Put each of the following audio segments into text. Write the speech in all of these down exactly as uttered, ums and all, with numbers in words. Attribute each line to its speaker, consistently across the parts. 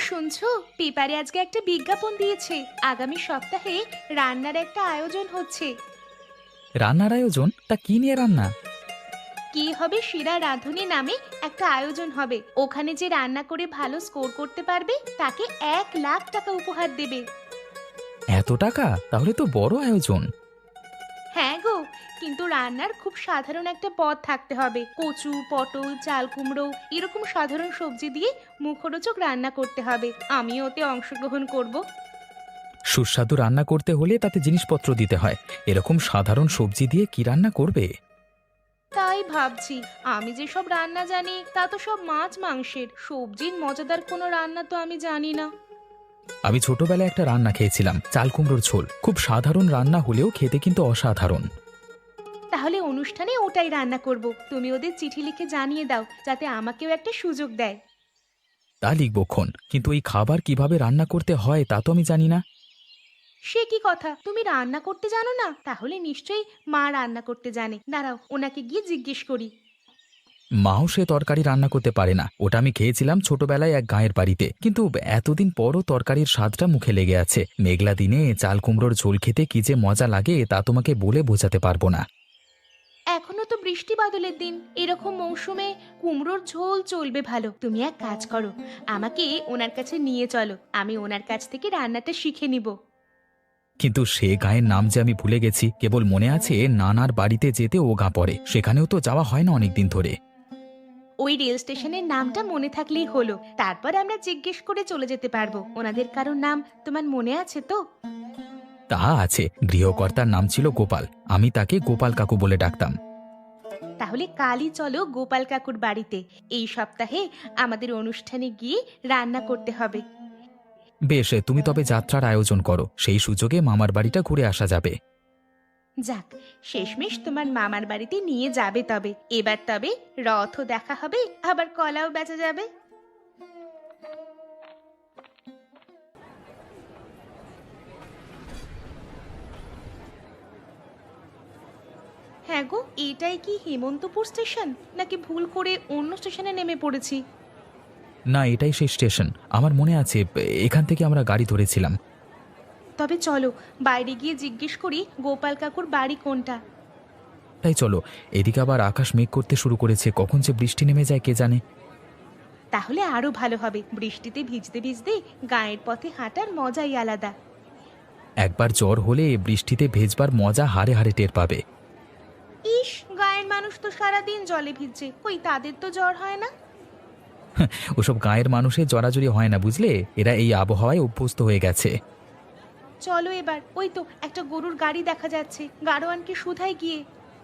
Speaker 1: শুনছো, পেপারে আজকে একটা বিজ্ঞাপন দিয়েছে, আগামী সপ্তাহে রান্নার একটা আয়োজন হচ্ছে।
Speaker 2: রান্নার আয়োজন? তা কি নিয়ে রান্না?
Speaker 1: কি হবে, সেরা রাঁধুনি নামে একটা আয়োজন হবে। ওখানে যে রান্না করে ভালো স্কোর করতে পারবে তাকে এক লাখ টাকা উপহার দেবে।
Speaker 2: এত টাকা? তাহলে তো বড় আয়োজন।
Speaker 1: হ্যাঁ গো, কিন্তু রান্নার খুব সাধারণ একটা পদ থাকতে হবে। কচু, পটল, চাল কুমড়ো এরকম সাধারণ সবজি দিয়ে মুখরোচক রান্না করতে হবে। আমিও ওতে অংশগ্রহণ করব।
Speaker 2: সুস্বাদু রান্না করতে হলে তাতে জিনিসপত্র দিতে হয়। এরকম সাধারণ সবজি দিয়ে কি রান্না করবে?
Speaker 1: তাই ভাবছি, আমি যেসব রান্না জানি তা তো সব মাছ মাংসের। সবজির মজাদার কোনো রান্না তো আমি জানি না।
Speaker 2: আমি ছোটবেলায় একটা রান্না খেয়েছিলাম, চাল কুমড়োর ঝোল। খুব সাধারণ রান্না হলেও খেতে কিন্তু অসাধারণ।
Speaker 1: তাহলে অনুষ্ঠানে ওটাই রান্না করব। তুমি ওদের চিঠি লিখে জানিয়ে দাও যাতে আমাকেও একটা সুযোগ দেয়।
Speaker 2: তা লিখবক্ষণ, কিন্তু এই খাবার কিভাবে রান্না করতে হয় তা তো আমি জানি না।
Speaker 1: সে কি কথা, তুমি রান্না করতে জানো না? তাহলে নিশ্চয়ই মা রান্না করতে জানে। দাঁড়াও, ওনাকে গিয়ে জিজ্ঞেস করি।
Speaker 2: মাও সে তরকারি রান্না করতে পারে না। ওটা আমি খেয়েছিলাম ছোটবেলায় এক গাঁয়ের বাড়িতে, কিন্তু এতদিন পরও তরকারির স্বাদটা মুখে লেগে আছে। মেঘলা দিনে চাল কুমড়োর ঝোল খেতে কি যে মজা লাগে তা তোমাকে বলে বোঝাতে পারবো না।
Speaker 1: এখনো তো বৃষ্টি বাদলের দিন, এরকম মৌসুমে কুমড়োর ঝোল চলবে ভালো। তুমি এক কাজ করো, আমাকে ওনার কাছে নিয়ে চলো, আমি ওনার কাছ থেকে রান্নাটা শিখে নিব।
Speaker 2: কিন্তু সে গাঁয়ের নাম যে আমি ভুলে গেছি। কেবল মনে আছে নানার বাড়িতে যেতে ও গাঁ পড়ে, সেখানেও তো যাওয়া হয় না অনেকদিন ধরে।
Speaker 1: ওই রেল স্টেশনের নামটা মনে থাকলেই হলো, তারপর আমরা জিজ্ঞেস করে চলে যেতে পারবো। ওনাদের কারোর নাম তোমার মনে আছে তো?
Speaker 2: তা আছে, গৃহকর্তার নাম ছিল গোপাল। আমি তাকে গোপাল কাকু বলে ডাকতাম।
Speaker 1: তাহলে কালই চলো গোপাল কাকুর বাড়িতে। এই সপ্তাহে আমাদের অনুষ্ঠানে গিয়ে রান্না করতে হবে।
Speaker 2: বেশ, তুমি তবে যাত্রার আয়োজন করো, সেই সুযোগে মামার বাড়িটা ঘুরে আসা যাবে।
Speaker 1: যাক, শেষমেশ তোমার মামার বাড়িতে নিয়ে যাবে তবে। এবার তবে রথও দেখা হবে, আবার কলাও বেচা যাবে। হ্যাঁ গো, এটাই কি হেমন্তপুর স্টেশন, নাকি ভুল করে অন্য স্টেশনে নেমে পড়েছি?
Speaker 2: না, এটাই সেই স্টেশন। আমার মনে আছে, এখান থেকে আমরা গাড়ি ধরেছিলাম।
Speaker 1: তবে চলো বাইরে গিয়ে জিজ্ঞেস করি গোপাল কাকুর বাড়ি কোনটা।
Speaker 2: তাই চলো। এদিকে আবার আকাশ মেঘ করতে শুরু করেছে, কখন যে বৃষ্টি নেমে যায় কে জানে।
Speaker 1: তাহলে আরো ভালো হবে, বৃষ্টিতে ভিজতে ভিজতে গায়ের পথে হাঁটার মজাই আলাদা।
Speaker 2: একবার জ্বর হলে বৃষ্টিতে ভেজবার মজা হাড়ে হাড়ে টের পাবে।
Speaker 1: ইস, গায়ের মানুষ তো সারাদিন জলে ভিজছে, কই তাদের তো জ্বর হয় না?
Speaker 2: ওসব গাঁয়ের মানুষের জড়াজড়ি হয় না, বুঝলে। এরা এই আবহাওয়ায় অভ্যস্ত হয়ে গেছে।
Speaker 1: চলো এবার, ওই তো একটা গরুর গাড়ি দেখা যাচ্ছে, গাড়োয়ানকে শুধাই গিয়ে।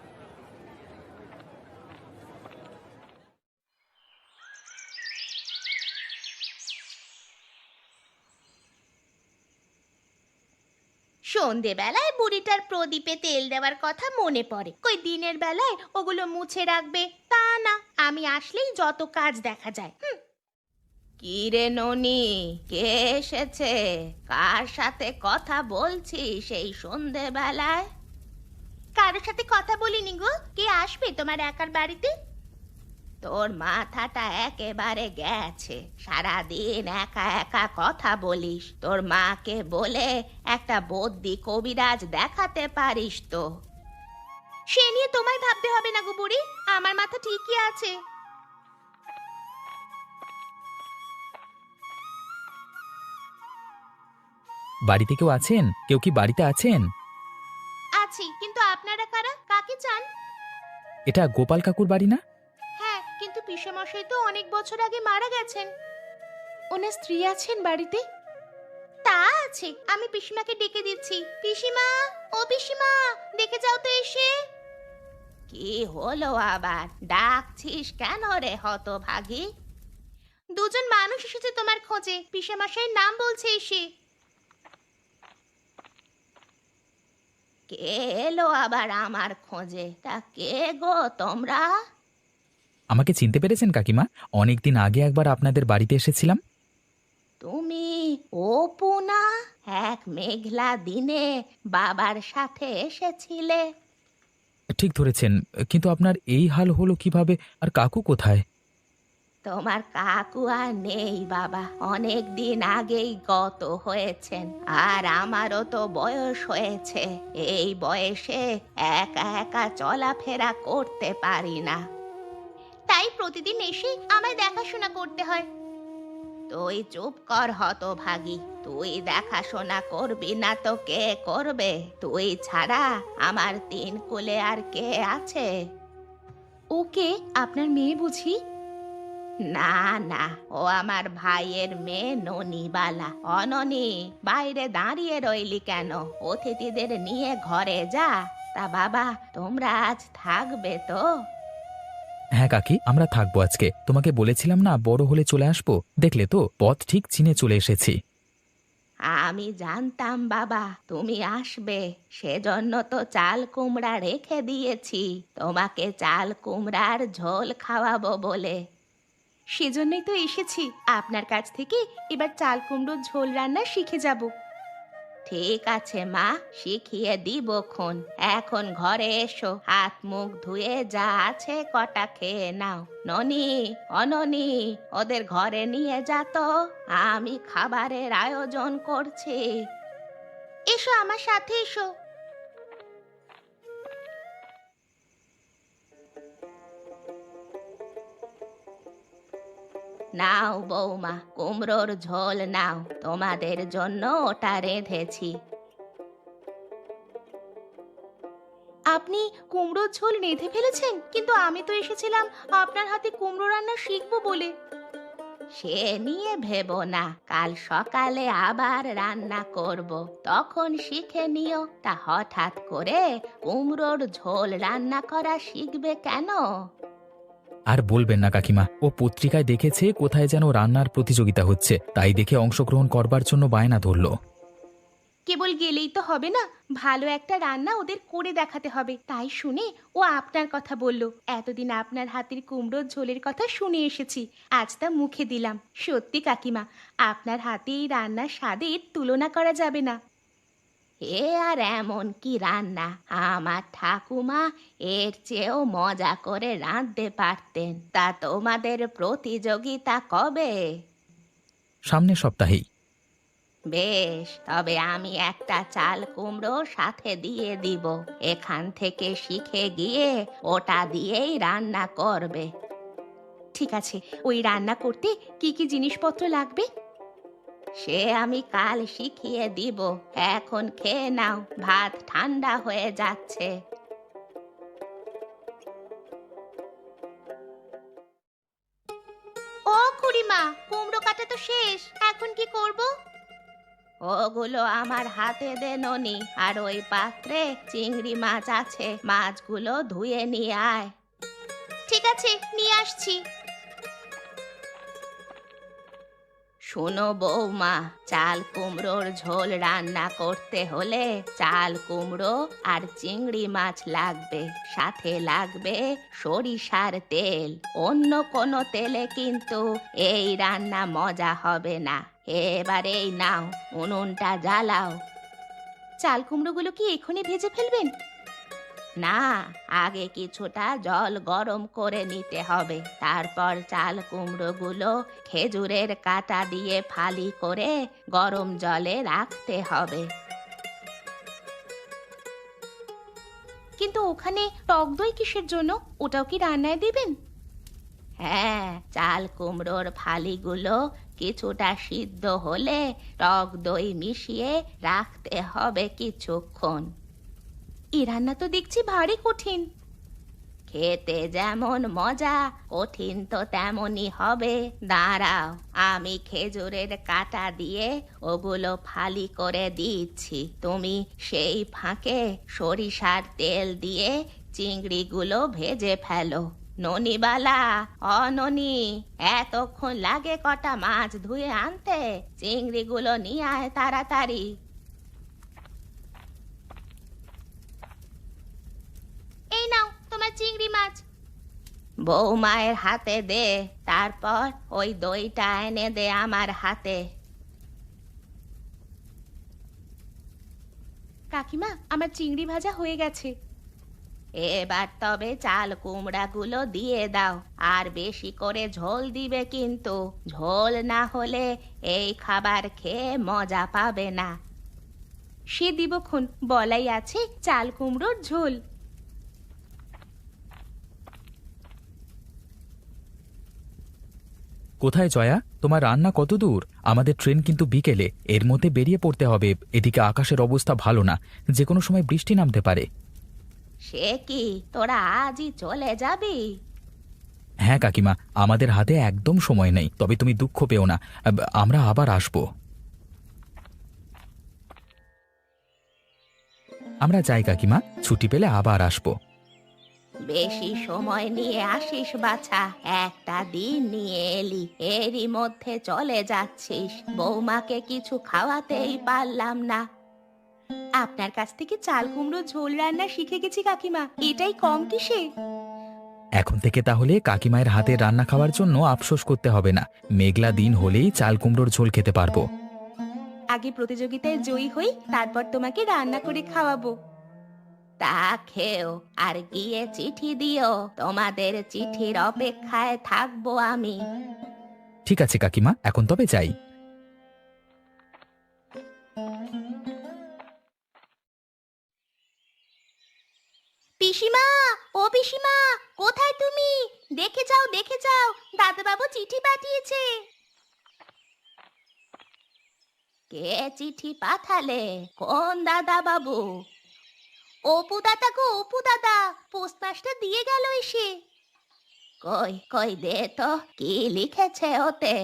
Speaker 1: সন্ধেবেলায় বুড়িটার প্রদীপে তেল দেওয়ার কথা মনে পড়ে। কই দিনের বেলায় ওগুলো মুছে রাখবে তা না, আমি আসলেই যত কাজ দেখা যায়। হুম। কি রে ননি, কে এসেছে? কার সাথে কথা বলছিস এই সন্ধেবেলায়? কারোর সাথে কথা বলিনি গো। কে আসবে তোমার একার বাড়িতে? তোর মাথাটা একেবারে গেছে, সারাদিন একা একা কথা বলিস। তোর মাকে বলে একটা বদ্যি কবিরাজ দেখাতে পারিস তো। সে নিয়ে তোমায় ভাবতে হবে না গো বুড়ি, আমার মাথা ঠিকই আছে।
Speaker 2: বাড়িতে কেউ আছেন? কেউ কি বাড়িতে আছেন?
Speaker 1: আছি, কিন্তু আপনারা কারা, কাকে চান?
Speaker 2: এটা গোপাল কাকুর বাড়ি না?
Speaker 1: হ্যাঁ, কিন্তু পিসেমশাই তো অনেক বছর আগে মারা গেছেন। ওনার স্ত্রী আছেন বাড়িতে? তা আছে, আমি পিসিমাকে ডেকে দিচ্ছি। পিসিমা, ও পিসিমা, দেখে যাও তো এসে। কি হলো আবার, ডাকছিস কেন রে হতভাগী? দুজন মানুষ এসেছে তোমার খোঁজে, পিসেমশাইয়ের নাম বলছে এসে। কে এলো আবার আমার খোঁজে? তা কে গো তোমরা?
Speaker 2: আমাকে চিনতে পেরেছেন কাকিমা? অনেকদিন আগে একবার আপনাদের বাড়িতে এসেছিলাম।
Speaker 1: তুমি অপু না? এক মেঘলা দিনে বাবার সাথে এসেছিলে।
Speaker 2: ঠিক ধরেছেন, কিন্তু আপনার এই হাল হলো কিভাবে? আর কাকু কোথায়?
Speaker 1: তোমার কাকু আর নেই বাবা, অনেক দিন আগেই গত হয়েছেন। আর আমারও তো বয়স হয়েছে, এই বয়সে একা একা চলাফেরা করতে পারি না, তাই প্রতিদিন এসে আমায় দেখাশোনা করতে হয়। তুই চুপ কর হতভাগী, তুই দেখাশোনা করবি না তো কে করবে? তুই ছাড়া আমার তিন কুলে আর কে আছে? ওকে, আপনার মেয়ে বুঝি? না না, ও আমার ভাইয়ের মেয়ে ননিবালা। অননি, বাইরে দাঁড়িয়ে রইলি কেন? অতিথিদের নিয়ে ঘরে যা। তা বাবা, তোমরা আজ থাকবে তো?
Speaker 2: হ্যাঁ কাকি, আমরা থাকবো আজকে। তোমাকে বলেছিলাম না বড় হলে চলে আসবো, দেখলে তো পথ ঠিক চিনে চলে এসেছি।
Speaker 1: আমি জানতাম বাবা তুমি আসবে, সেজন্য তো চাল কুমড়া রেখে দিয়েছি তোমাকে চাল কুমড়ার ঝোল খাওয়াবো বলে। সেজন্যই তো এসেছি আপনার কাছ থেকে, এবার চাল কুমড়োর ঝোল রান্না শিখে যাব। ঠিক আছে মা, শিখিয়ে দিব খন। এখন ঘরে এসো, হাত মুখ ধুয়ে যা আছে কটা খেয়ে নাও। ননি, অননি, ওদের ঘরে নিয়ে যা তো, আমি খাবারের আয়োজন করছি। এসো আমার সাথে এসো। নাও বৌমা, কুমড়োর ঝোল নাও, তোমাদের জন্য ওটা রেঁধেছি। আপনি কুমড়োর ঝোল রেঁধে ফেলেছেন? কিন্তু আমি তো এসেছিলাম আপনার হাতে কুমড়ো রান্না শিখবো বলে। সে নিয়ে ভেবো না, কাল সকালে আবার রান্না করব, তখন শিখে নিও। তা হঠাৎ করে কুমড়োর ঝোল রান্না করা শিখবে কেন?
Speaker 2: আর বলবেন না কাকিমা, ও পত্রিকায় দেখেছে কোথায় যেন রান্নার প্রতিযোগিতা হচ্ছে, তাই দেখে অংশগ্রহণ করবার জন্য বায়না ধরলো।
Speaker 1: কেবল গেলেই তো হবে না, ভালো একটা রান্না ওদের করে দেখাতে হবে। তাই শুনে ও আপনার কথা বলল। এতদিন আপনার হাতের কুমড়োর ঝোলের কথা শুনে এসেছি, আজ তা মুখে দিলাম। সত্যি কাকিমা, আপনার হাতে এই রান্নার স্বাদের তুলনা করা যাবে না। এ আর এমন কি রান্না, আমার ঠাকুমা এর চেয়েও মজা করে রাঁধতে পারতেন। তা তোমাদের প্রতিযোগিতা কবে?
Speaker 2: সামনের সপ্তাহেই।
Speaker 1: বেশ, তবে আমি একটা চাল কুমড়ো সাথে দিয়ে দিব। এখান থেকে শিখে গিয়ে ওটা দিয়েই রান্না করবে। ঠিক আছে, ওই রান্না করতে কি কি জিনিসপত্র লাগবে? সে আমি কাল শিখিয়ে দিব, এখন খেয়ে নাও, ভাত ঠান্ডা হয়ে যাচ্ছে। ও খুড়িমা, কুমড়ো কাটা তো শেষ, এখন কি করব? ওগুলো আমার হাতে দে ননি, আর ওই পাত্রে চিংড়ি মাছ আছে, মাছগুলো ধুয়ে নিয়ে আয়। ঠিক আছে, নিয়ে আসছি। শোনো বৌমা, চাল কুমড়োর ঝোল রান্না করতে হলে চাল কুমড়ো আর চিংড়ি মাছ লাগবে, সাথে লাগবে সরিষার তেল। অন্য কোনো তেলে কিন্তু এই রান্না মজা হবে না। এবার এই নাও, উনুনটা জ্বালাও। চাল কুমড়োগুলো কি এখনই ভেজে ফেলবেন? না, আগে কিছুটা জল গরম করে নিতে হবে, তারপর চাল কুমড়োগুলো খেজুরের কাঁটা দিয়ে ফালি করে গরম জলে রাখতে হবে। কিন্তু ওখানে টক দই কিসের জন্য? ওটাও কি রান্নায় দিবেন? হ্যাঁ, চাল কুমড়োর ফালিগুলো কিছুটা সিদ্ধ হলে টক দই মিশিয়ে রাখতে হবে কিছুক্ষণ। এ রান্না তো দেখছি ভারী কঠিন। খেতে যেমন মজা, কঠিন তো তেমনই হবে। দাঁড়াও, আমি খেজুরের কাঁটা দিয়ে ওগুলো ফালি করে দিচ্ছি, তুমি সেই ফাঁকে সরিষার তেল দিয়ে চিংড়িগুলো ভেজে ফেলো। ননিবালা, অননি, এতক্ষণ লাগে কটা মাছ ধুয়ে আনতে? চিংড়িগুলো নিয়ে আয় তাড়াতাড়ি। এই নাও তোমার চিংড়ি মাছ। বৌমায়ের হাতে দে, তারপর ওই দইটা এনে দে আমার হাতে। কাকিমা, আমার চিংড়ি ভাজা হয়ে গেছে। এবার তবে চাল কুমড়াগুলো দিয়ে দাও, আর বেশি করে ঝোল দিবে কিন্তু। ঝোল না হলে এই খাবার খেয়ে মজা পাবে না। সে দিবক্ষণ, বলাই আছে চাল কুমড়োর ঝোল।
Speaker 2: কোথায় জয়া, তোমার রান্না কত দূর? আমাদের ট্রেন কিন্তু বিকেলে, এর মধ্যে বেরিয়ে পড়তে হবে। এদিকে আকাশের অবস্থা ভালো না, যে কোনো সময় বৃষ্টি নামতে পারে।
Speaker 1: সে কি, তোরা আজই চলে যাবি?
Speaker 2: হ্যাঁ কাকিমা, আমাদের হাতে একদম সময় নেই, তবে তুমি দুঃখ পেও না, আব- আমরা আবার আসব। আমরা যাই কাকিমা, ছুটি পেলে আবার আসব।
Speaker 1: বেশি সময় নিয়ে আসিস বাছা, একটা দিন নিয়ে এলি, এরই মধ্যে চলে যাচ্ছিস। বৌমাকে কিছু খাওয়াতেই পারলাম না। আপনার কাছ থেকে চাল কুমড়ো ঝোল রান্না শিখে গেছি কাকিমা, এটাই কম কিসে?
Speaker 2: এখন থেকে তাহলে কাকিমায়ের হাতে রান্না খাওয়ার জন্য আফসোস করতে হবে না। মেঘলা দিন হলেই চাল কুমড়োর ঝোল খেতে পারবো।
Speaker 1: আগে প্রতিযোগিতায় জয়ী হই, তারপর তোমাকে রান্না করে খাওয়াবো। তা খেও, আর গিয়ে চিঠি দিও। তোমাদের চিঠির অপেক্ষায় থাকবো আমি।
Speaker 2: ঠিক আছে কাকিমা, এখন তবে যাই।
Speaker 1: পিসিমা, ও পিসিমা, কোথায় তুমি? দেখে যাও, দেখে যাও, দাদাবাবু চিঠি পাঠিয়েছে। কে চিঠি পাঠালে? কোন দাদা বাবু? অপু দাদা গো, অপু দাদা, পোস্টমাস্টার দিয়ে গেল এসে। কই কই দে তো, কি লিখেছে ওতে?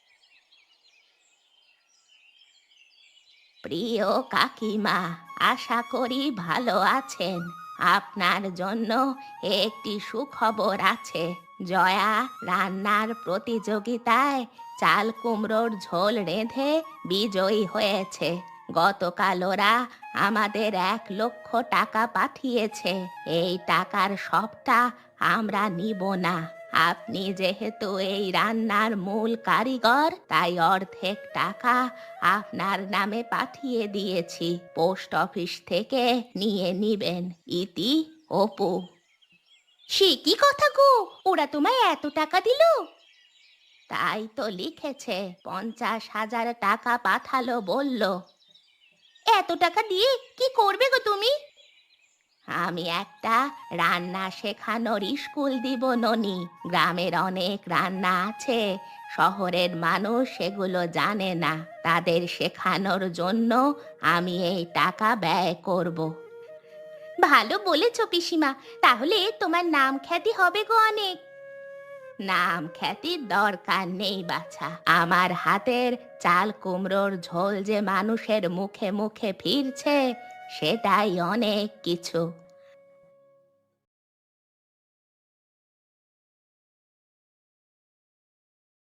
Speaker 1: প্রিয় কাকিমা, আশা করি ভালো আছেন। আপনার জন্য একটি সুখবর আছে। জয়া রান্নার প্রতিযোগিতায় চাল কুমড়োর ঝোল রেঁধে বিজয়ী হয়েছে। গতকাল ওরা আমাদের এক লক্ষ টাকা পাঠিয়েছে। এই টাকার সবটা আমরা নিব না। আপনি যেহেতু এই রান্নার মূল কারিগর, তাই অর্ধেক টাকা আপনার নামে পাঠিয়ে দিয়েছি। পোস্ট অফিস থেকে নিয়ে নিবেন। ইতি, অপু। সে কি কথা গো, ওরা তোমায় এত টাকা দিল? তাই তো লিখেছে, পঞ্চাশ হাজার টাকা পাঠালো বলল। এত টাকা দিয়ে কি করবে গো তুমি? আমি একটা রান্না শেখানোর স্কুল দিব ননি। গ্রামের অনেক রান্না আছে, শহরের মানুষ সেগুলো জানে না। তাদের শেখানোর জন্য আমি এই টাকা ব্যয় করব। ভালো বলেছ পিসিমা, তাহলে তোমার নাম খ্যাতি হবে গো অনেক। নাম খ্যাতির দরকার নেই বাছা, আমার হাতের চাল কুমড়োর ঝোল যে মানুষের মুখে মুখে ফিরছে, সেটাই অনেক কিছু।